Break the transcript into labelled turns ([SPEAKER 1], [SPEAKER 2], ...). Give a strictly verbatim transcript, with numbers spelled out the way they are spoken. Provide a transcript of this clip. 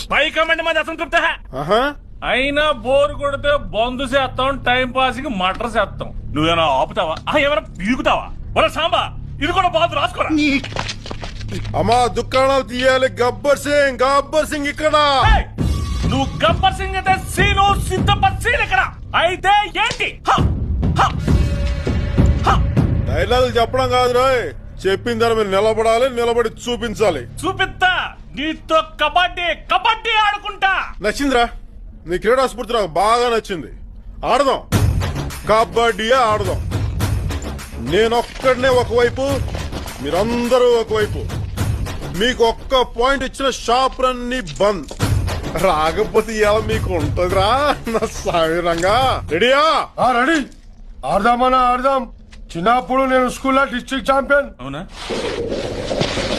[SPEAKER 1] పై comment మంది అసంతృప్త
[SPEAKER 2] ఆహా
[SPEAKER 1] అయినా బోర్ కొడితే బంధు చేస్తాం టైం పాస్ కి మటర్ చేస్తాం నువ్వేనా ఆపుతావా ఆ, ఏమైనా పీకుతావా ఒరే సాంబా ఇది కూడా బాధ రాసుకోరా
[SPEAKER 2] అమ్మా దుకాణాలు తీయాలి. గబ్బర్ సింగ్ గబ్బర్ సింగ్ ఇక్కడ.
[SPEAKER 1] ఏయ్, నువ్వు గబ్బర్ సింగ్ అయితే సీను సిద్ధపత్ సీన్ ఇక్కడ అయితే ఏంటి హ, హ, హ.
[SPEAKER 2] డైలాగులు చెప్పడం కాదు రాయ్, చెప్పిన దాని మీద నిలబడాలి, నిలబడి చూపించాలి.
[SPEAKER 1] చూపిస్తా నీతో కబడ్డీ కబడ్డీ ఆడుకుంటా.
[SPEAKER 2] నచ్చిందిరా నీ క్రీడా స్ఫూర్తి, నాకు బాగా నచ్చింది. ఆడదాం, కబడ్డీ ఆడదాం. నేనొక్కడనే ఒకవైపు, మీరందరూ ఒకవైపు. మీకు ఒక్క పాయింట్ ఇచ్చిన షాపులన్నీ బంద్. రాకపోతే ఇలా మీకు ఉంటదిరా నా సాయిరంగా. రెడీయా?
[SPEAKER 3] రెడీ. ఆడదామన్నా ఆడదాం. చిన్నప్పుడు నేను స్కూల్లో డిస్ట్రిక్ట్ ఛాంపియన్.
[SPEAKER 1] అవునా?